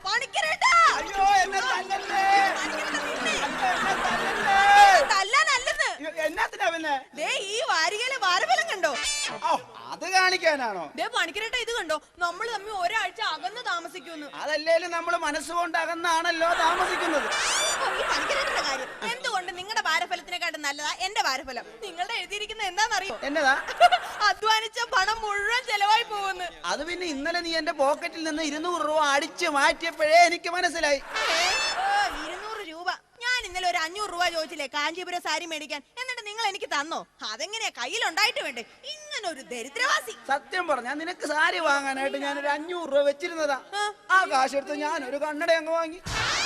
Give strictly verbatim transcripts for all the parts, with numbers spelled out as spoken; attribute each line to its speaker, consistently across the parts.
Speaker 1: പണിക്കരേട്ടാ.
Speaker 2: അയ്യോ എന്നെ തല്ലല്ലേ.
Speaker 1: തല്ലാനല്ലെന്ന്.
Speaker 2: എന്നാത്തിനാ പിന്നെ?
Speaker 1: ദേ ഈ വാരികയിലെ വാരഫലം കണ്ടോ?
Speaker 2: അത് കാണിക്കാനാണോ?
Speaker 1: ദേ പണിക്കരേട്ടാ ഇത് കണ്ടോ? നമ്മൾ തമ്മിൽ ഒരാഴ്ച അകന്ന് താമസിക്കുന്നു.
Speaker 2: അതല്ലേലും നമ്മള് മനസ്സുകൊണ്ട് അകന്നാണല്ലോ താമസിക്കുന്നത്.
Speaker 1: ഈ പണിക്കരേട്ടന്റെ കാര്യം എന്തുകൊണ്ട് നിങ്ങളുടെ വാരഫലത്തിനെക്കാട്ടും നല്ലതാ എന്റെ വാരഫലം? നിങ്ങളുടെ എഴുതിയിരിക്കുന്നത് എന്താണെന്നറിയോ?
Speaker 2: എന്നതാ?
Speaker 1: അധ്വാനിച്ച പണം മുഴുവൻ ചെലവായി പോകുന്നു.
Speaker 2: അത് പിന്നെ ഇന്നലെ നീ എന്റെ പോക്കറ്റിൽ നിന്ന് ഇരുന്നൂറ് രൂപ അടിച്ചു മാറ്റിയപ്പോഴേ എനിക്ക് മനസ്സിലായി.
Speaker 1: ഇരുന്നൂറ് രൂപ ഞാൻ ഇന്നലെ ഒരു അഞ്ഞൂറ് രൂപ ചോദിച്ചില്ലേ കാഞ്ചീപുരം സാരി മേടിക്കാൻ, എന്നിട്ട് നിങ്ങൾ എനിക്ക് തന്നോ? അതെങ്ങനെയാ കയ്യിലുണ്ടായിട്ട് വേണ്ടേ? ഇങ്ങനെ ഒരു ദരിദ്രവാസി.
Speaker 2: സത്യം പറഞ്ഞാ നിനക്ക് സാരി വാങ്ങാനായിട്ട് ഞാനൊരു അഞ്ഞൂറ് രൂപ വെച്ചിരുന്നതാ. ആ കാശെടുത്ത് ഞാനൊരു കണ്ണട അങ്ങ് വാങ്ങി.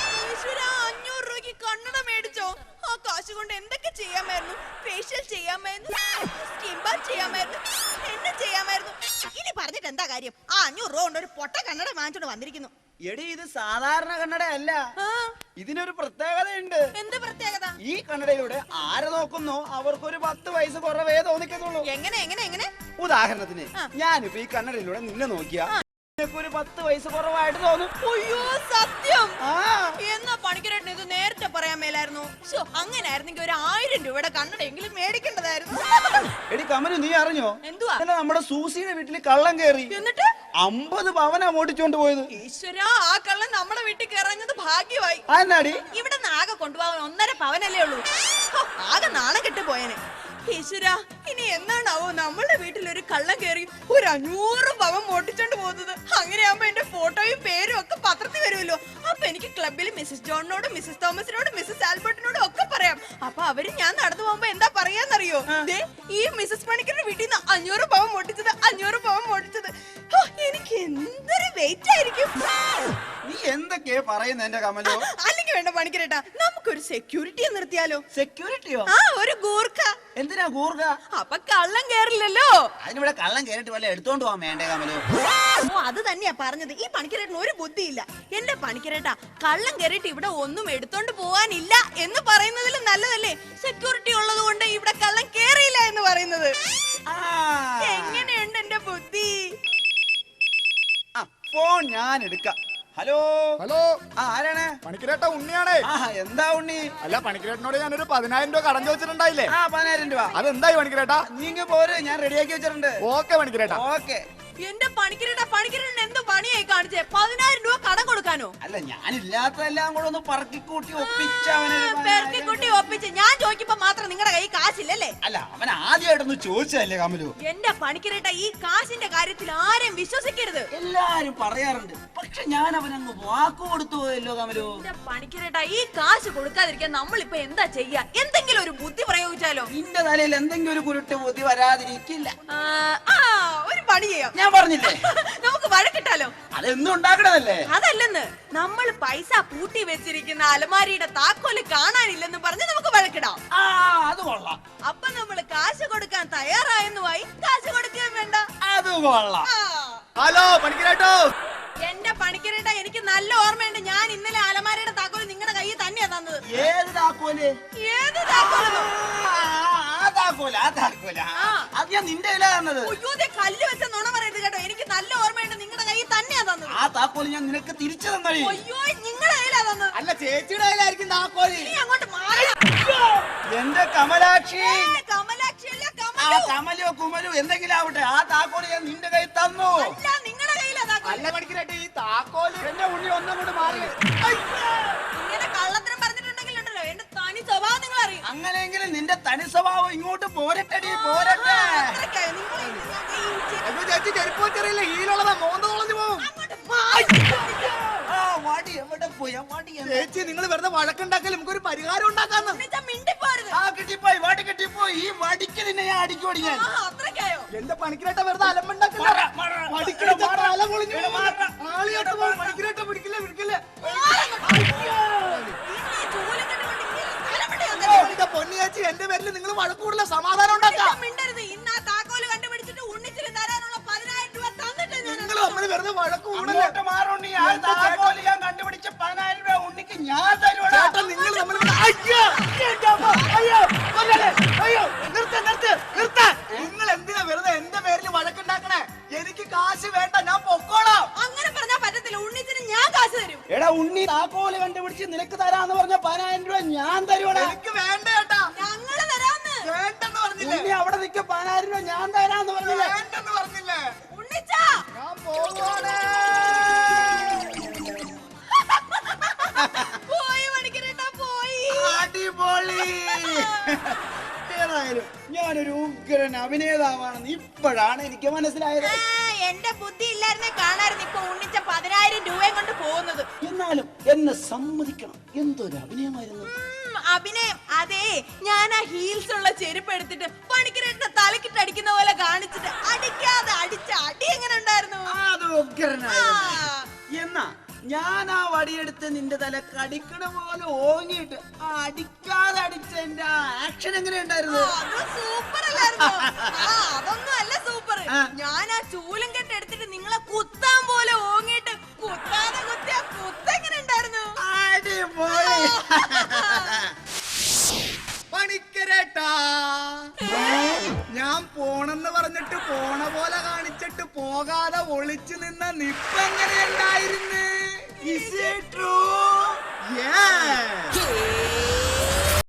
Speaker 1: അഞ്ഞൂറ് രൂപയ്ക്ക് കണ്ണട മേടിച്ചോ? ആ കാശ് കൊണ്ട് എന്തൊക്കെ ചെയ്യാമായിരുന്നു? ഫേഷ്യൽ ചെയ്യാമായിരുന്നു, സ്കിൻ ബാത്ത് ചെയ്യാമായിരുന്നു, എന്നെ ചെയ്യാമായിരുന്നു. ഇനി പറഞ്ഞിട്ട് എന്താ കാര്യം? ആ അഞ്ഞൂറ് രൂപ കൊണ്ട് ഒരു പൊട്ട കണ്ണട വാങ്ങിച്ചോണ്ട് വന്നിരിക്കുന്നു.
Speaker 2: എടി ഇത് സാധാരണ കണ്ണടയല്ല, ഇതിനൊരു പ്രത്യേകതയുണ്ട്.
Speaker 1: എന്ത് പ്രത്യേകത? ഈ
Speaker 2: കണ്ണടയിലൂടെ ആരെ നോക്കുന്നോ അവർക്കൊരു പത്ത് വയസ്സ് കുറവേ തോന്നിക്കുന്നുള്ളൂ.
Speaker 1: എങ്ങനെ എങ്ങനെ എങ്ങനെ?
Speaker 2: ഉദാഹരണത്തിന് ഞാനിപ്പോ ഈ കണ്ണടയിലൂടെ നിന്നെ നോക്കിയാ ഒരു പത്ത് വയസ്സ് കുറവായിട്ട് തോന്നും.
Speaker 1: അയ്യോ സത്യം. എന്നാ പണിക്കരേട്ടൻ ഇത് നേരത്തെ പറയാൻ മേലായിരുന്നു. അങ്ങനെ ആയിരുന്നെങ്കിൽ ഒരു ആയിരം രൂപയുടെ കണ്ണടയെങ്കിലും മേടിക്കേണ്ടതായിരുന്നു.
Speaker 2: എടി കമലു നീ അറിഞ്ഞോ?
Speaker 1: എന്തുവാ?
Speaker 2: നമ്മുടെ സൂസിയുടെ വീട്ടിൽ കള്ളം കയറി, എന്നിട്ട് അമ്പത് പവനാ ഓടിച്ചോണ്ട് പോയത്.
Speaker 1: ഈശ്വരാ, ആ കള്ളൻ നമ്മുടെ വീട്ടിൽ കയറഞ്ഞത് ഭാഗ്യമായി.
Speaker 2: എന്നാടി
Speaker 1: ഇവിടെ ആകെ കൊണ്ടുപോകാൻ ഒന്നര പവനല്ലേ ഉള്ളൂ. ആകെ നാണം കെട്ട് പോയനെ. ഈശ്വരാ, ഇനി എന്നാണാവോ നമ്മളുടെ വീട്ടിൽ ഒരു കള്ളം കയറി ഒരു അഞ്ഞൂറ് പവൻ മോട്ടിച്ചോണ്ട് പോകുന്നത്? അങ്ങനെയാകുമ്പോ എന്റെ ഫോട്ടോയും പേരും ഒക്കെ പത്രത്തിൽ വരുമല്ലോ. അപ്പൊ എനിക്ക് ക്ലബിൽ മിസ്സസ് ജോണിനോടും മിസ്സസ് തോമസിനോടും മിസ്സസ് ആൽബർട്ടിനോടും ഒക്കെ പറയാം. അപ്പൊ അവര് ഞാൻ നടന്നു പോകുമ്പോ എന്താ പറയാന്നറിയോ? ഈ മിസ്സസ് പണിക്കരുടെ വീട്ടിൽ നിന്ന് അഞ്ഞൂറ് പവൻ മോട്ടിച്ചത്, അഞ്ഞൂറ് പവൻ മോട്ടിച്ചത്. എനിക്ക് എന്തൊരു വെയിറ്റ് ആയിരിക്കും.
Speaker 2: നീ എന്തൊക്കെയാ പറയുന്നത് എന്റെ കമലോ?
Speaker 1: അല്ലെങ്കിൽ വേണ്ട പണിക്കരേട്ടാ, നമുക്കൊരു സെക്യൂരിറ്റിയെ നിർത്തിയാലോ?
Speaker 2: സെക്യൂരിറ്റിയോ?
Speaker 1: ആ ഒരു ഗൂർഖ.
Speaker 2: എന്തിനാ ഗൂർഖ?
Speaker 1: അപ്പൊ കള്ളം കേറില്ലല്ലോ.
Speaker 2: അതിനിവിടെ കള്ളം കേറിട്ട് വല്ല എടുത്തോണ്ട് പോവാൻ വേണ്ടേ കമലോ?
Speaker 1: ഓ അത് തന്നെയാ പറഞ്ഞത്. ഈ പണിക്കരേട്ടന് ഒരു ബുദ്ധിയില്ല. എന്റെ പണിക്കരേട്ടാ, കള്ളം കേറിട്ട് ഇവിടെ ഒന്നും എടുത്തോണ്ട് പോവാനില്ല എന്ന് പറയുന്നതിലും നല്ലതല്ലേ സെക്യൂരിറ്റി ഉള്ളത് കൊണ്ട് ഇവിടെ കള്ളം കേറിയില്ല എന്ന് പറയുന്നത്. എങ്ങനെയുണ്ട് എന്റെ ബുദ്ധി?
Speaker 2: ഫോൺ ഞാൻ എടുക്കാം. ഹലോ
Speaker 3: ഹലോ,
Speaker 2: ആരാണ്?
Speaker 3: പണിക്കരേട്ട ഉണ്ണിയാണേ.
Speaker 2: എന്താ ഉണ്ണി?
Speaker 3: അല്ല പണിക്കരേട്ടനോട് ഞാനൊരു പതിനായിരം രൂപ കടം ചോദിച്ചിട്ടുണ്ടായില്ലേ?
Speaker 2: ആ പതിനായിരം രൂപ.
Speaker 3: അതെന്തായി പണിക്കരേട്ടാ?
Speaker 2: നീങ്ങ പോര്, ഞാൻ റെഡിയാക്കി വെച്ചിട്ടുണ്ട്.
Speaker 3: ഓക്കെ പണിക്കരേട്ട.
Speaker 2: ഓക്കെ.
Speaker 1: എന്റെ പണിക്കരേട്ട, പണിക്കരേട്ടൻ എന്ത് പണിയായി കാണിച്ചേ? പതിനായിരം രൂപ കടം കൊടുക്കാനോ?
Speaker 2: അല്ല ഞാനില്ലാത്തതെല്ലാം കൂടെ ഒന്ന് പറക്കിക്കൂട്ടി ഒപ്പിച്ച
Speaker 1: പെറുക്കിക്കൂട്ടി ഒപ്പിച്ച് ഞാൻ ചോദിക്കുമ്പോ മാത്രം നിങ്ങളുടെ കൈ കാശില്ലല്ലേ?
Speaker 2: അല്ല അവൻ ആദ്യമായിട്ടൊന്ന് ചോദിച്ചതല്ലേ കമലു?
Speaker 1: എന്റെ പണിക്കരേട്ട, ഈ കാശിന്റെ കാര്യത്തിൽ ആരും വിശ്വസിക്കരുത്.
Speaker 2: എല്ലാരും പറയാറുണ്ട്, പക്ഷെ ഞാൻ അവനങ്ങ് വാക്ക് കൊടുത്തു പോയല്ലോ കമലു.
Speaker 1: എന്റെ പണിക്കരേട്ട, ഈ കാശ് കൊടുക്കാതിരിക്കാൻ നമ്മളിപ്പോ എന്താ ചെയ്യാ? എന്തെങ്കിലും ഒരു ബുദ്ധി പ്രയോഗിച്ചാലോ?
Speaker 2: നിന്റെ തലയിൽ എന്തെങ്കിലും ഒരു കുരുട്ട് ബുദ്ധി വരാതിരിക്കില്ല.
Speaker 1: ആ ഒരു പണി ചെയ്യാം.
Speaker 2: ഞാൻ പറഞ്ഞില്ലേ
Speaker 1: നമുക്ക് വഴക്കിട്ടാലോ?
Speaker 2: അതെന്നും ഉണ്ടാക്കണതല്ലേ?
Speaker 1: അതല്ലെന്ന്, നമ്മൾ പൈസ പൂട്ടി വെച്ചിരിക്കുന്ന അലമാരിയുടെ താക്കോല് കാണാനില്ലെന്ന് പറഞ്ഞ് നമുക്ക് വഴക്കിടാം.
Speaker 2: ആ അത് കൊള്ളാം.
Speaker 1: അപ്പൊ നമ്മള് കാശ് കൊടുക്കാൻ തയ്യാറായെന്നുമായി കാശ് കൊടുക്കുകയും വേണ്ട.
Speaker 2: അത് കൊള്ളാം.
Speaker 3: ഹലോ പണിക്കരേട്ടോ.
Speaker 1: എന്റെ പണിക്കരേട്ട, എനിക്ക് നല്ല ഓർമ്മയുണ്ട്. ഞാൻ ഇന്നലെ അലമാരയുടെ താക്കോല് നിങ്ങളുടെ കയ്യിൽ തന്നെയാ തന്നത്.
Speaker 2: ഏത് താക്കോല്?
Speaker 1: ഏത് താക്കോല്?
Speaker 2: അത് ഞാൻ നിന്റെ കയ്യിലാ തന്നത്.
Speaker 1: കല്ല് വെച്ച നുണ പറയരുത് കേട്ടോ. എനിക്ക് നല്ല ഓർമ്മയുണ്ട്, നിങ്ങളുടെ കയ്യിൽ തന്നെയാ തന്നത്.
Speaker 2: ആ താക്കോല് ഞാൻ നിനക്ക് തിരിച്ചു തന്നേ.
Speaker 1: അയ്യോ, നിങ്ങളുടെ കയ്യിലാ തന്നത്.
Speaker 2: അല്ല ചേച്ചിയുടെ കയ്യിലായിരിക്കും താക്കോല്.
Speaker 1: നീ അങ്ങോട്ട് മാറി.
Speaker 2: എന്റെ കമലാക്ഷി.
Speaker 1: കമലാക്ഷി അല്ല,
Speaker 2: കമലോ കുമലോ എന്തെങ്കിലും ആവട്ടെ, ആ താക്കോല് ഞാൻ നിന്റെ കയ്യിൽ തന്നു.
Speaker 1: അല്ല, നിങ്ങളുടെ കയ്യിലാ താക്കോല്.
Speaker 2: അല്ല പഠിക്കട്ടെ, ഈ താക്കോല് എന്റെ ഉണ്ണി ഒന്നും കൂടെ മാറി.
Speaker 1: ഇങ്ങനെ കള്ളത്തരം പറഞ്ഞിട്ടുണ്ടെങ്കിൽ ഉണ്ടല്ലോ എന്റെ തനി സ്വഭാവം നിങ്ങൾ അറിയും.
Speaker 2: അങ്ങനെയെങ്കിലും നിന്റെ തനി സ്വഭാവം ഇങ്ങോട്ട് പോരട്ടെടി, പോരട്ടെ.
Speaker 3: ചേച്ചി ചെരുപ്പ് വെച്ചറിയില്ല, ഹീലുള്ളതാ, മോന്ത തൊളഞ്ഞു പോകും.
Speaker 2: ചേച്ചി നിങ്ങൾ വെറുതെ വഴക്കുണ്ടാക്കൽ നമുക്കൊരു പരിഹാരം ഉണ്ടാക്കാന്ന്.
Speaker 1: മിണ്ടിപ്പോരുത്.
Speaker 2: ആ കിട്ടിപ്പോയി, വാടി കിട്ടിപ്പോയി. ഈ വടിക്ക് നിന്നെ ഞാൻ അടിക്കോടി ഞാൻ.
Speaker 1: അത്രയ്ക്കായോ?
Speaker 3: എന്റെ പണിക്കരേട്ട വെറുതെ അലമ്പുണ്ടാക്കില്ല. പൊന്നിയാച്ചി, എന്റെ പേരിൽ നിങ്ങൾ വഴക്കൂടില്ല, സമാധാനം ഉണ്ടാക്കാം.
Speaker 1: മിണ്ടരുത്. ഇന്ന് ആ താക്കോല് കണ്ടുപിടിച്ചിട്ട് ഉണ്ണിച്ചിന് തരാനുള്ള പതിനായിരം രൂപ തന്നിട്ട്
Speaker 3: നിങ്ങൾ നമ്മൾ വെറുതെ വഴക്കൂടല്ലേ.
Speaker 2: ഞാൻ കണ്ടുപിടിച്ച പതിനായിരം രൂപ ഉണ്ണിക്ക് ഞാൻ തരുവാ.
Speaker 3: നിങ്ങൾ നമ്മൾ നിങ്ങൾ എന്തിനാ വെറുതെ എന്റെ പേരിൽ വഴക്കുണ്ടാക്കണേ? എനിക്ക് കാശ് വേണ്ട, ഞാൻ പൊക്കോളാം.
Speaker 1: അങ്ങനെ പറഞ്ഞാൽ പറ്റത്തില്ല. ഉണ്ണിച്ചിന് ഞാൻ കാശ് തരും.
Speaker 2: ഉണ്ണി താക്കോല് കണ്ടുപിടിച്ച് നിനക്ക് തരാന്ന് പറഞ്ഞ പതിനായിരം രൂപ ഞാൻ തരുവടാ.
Speaker 3: എനിക്ക് വേണ്ട ചേട്ടാ.
Speaker 1: ഞങ്ങള് തരാന്ന്.
Speaker 3: വേണ്ടെന്ന് പറഞ്ഞില്ലേ?
Speaker 2: ഉണ്ണി അവിടെ നിൽക്ക പതിനായിരം രൂപ ഞാൻ തരാന്ന് പറഞ്ഞില്ലേ?
Speaker 3: വേണ്ടെന്ന് പറഞ്ഞില്ലേ?
Speaker 1: ഉണ്ണിച്ചാ
Speaker 3: ഞാൻ പോവാണ്.
Speaker 1: പോയി മണിക്കരേട്ടാ പോയി.
Speaker 2: അടിപൊളി. ഏതായാലും ഞാനൊരു ഉഗ്രൻ അഭിനേതാവാണെന്ന് ഇപ്പോഴാണ് എനിക്ക് മനസ്സിലായത്.
Speaker 1: ആ, എന്റെ ബുദ്ധി ഇല്ലായിരുന്നെ കാണായിരുന്നു ഇപ്പൊ ഉണ്ണിച്ച പതിനായിരം രൂപയും കൊണ്ട് പോകുന്നത്.
Speaker 2: എന്നാലും എന്നെ സമ്മതിക്കണം, എന്തൊരു അഭിനയമായിരുന്നു.
Speaker 1: ഉം, അഭിനയം അതെ. ഞാൻ ആ ഹീൽസ് ഉള്ള ചെരുപ്പ് എടുത്തിട്ട് പണിക്കരേട്ടന്റെ തലക്കിട്ട് അടിക്കുന്ന പോലെ കാണിച്ചിട്ട് അടിക്കാതെ അടിച്ച അടി എങ്ങനെ ഉണ്ടായിരുന്നു?
Speaker 2: അത് ഉഗ്രനായിരുന്നു. എന്നാ ഞാൻ ആ വടിയെടുത്ത് നിന്റെ തല കടിക്കണ പോലെ ഓങ്ങിയിട്ട് ആ അടിക്കാതെ അടിച്ച എന്റെ ആ ആക്ഷൻ എങ്ങനെ ഉണ്ടായിരുന്നു?
Speaker 1: സൂപ്പർ അല്ലായിരുന്നോ? ആ, അതൊന്നും അല്ല സൂപ്പർ.
Speaker 2: ആ.
Speaker 1: ഞാൻ ആ ചൂലും കെട്ട് എടുത്തിട്ട് നിങ്ങളെ കുത്താൻ പോലെ ഓങ്ങിയിട്ട് കുത്താതെ കുത്തിയ കുത്തെങ്ങനെ ഉണ്ടായിരുന്നു?
Speaker 2: അടിപൊളി.
Speaker 3: പണിക്കരേട്ടാ, ഞാൻ പോണെന്ന് പറഞ്ഞിട്ട് പോണ പോലെ കാണിച്ചിട്ട് പോകാതെ ഒളിച്ചു നിന്ന നിപ്പെങ്ങനെയുണ്ടായിരുന്നു?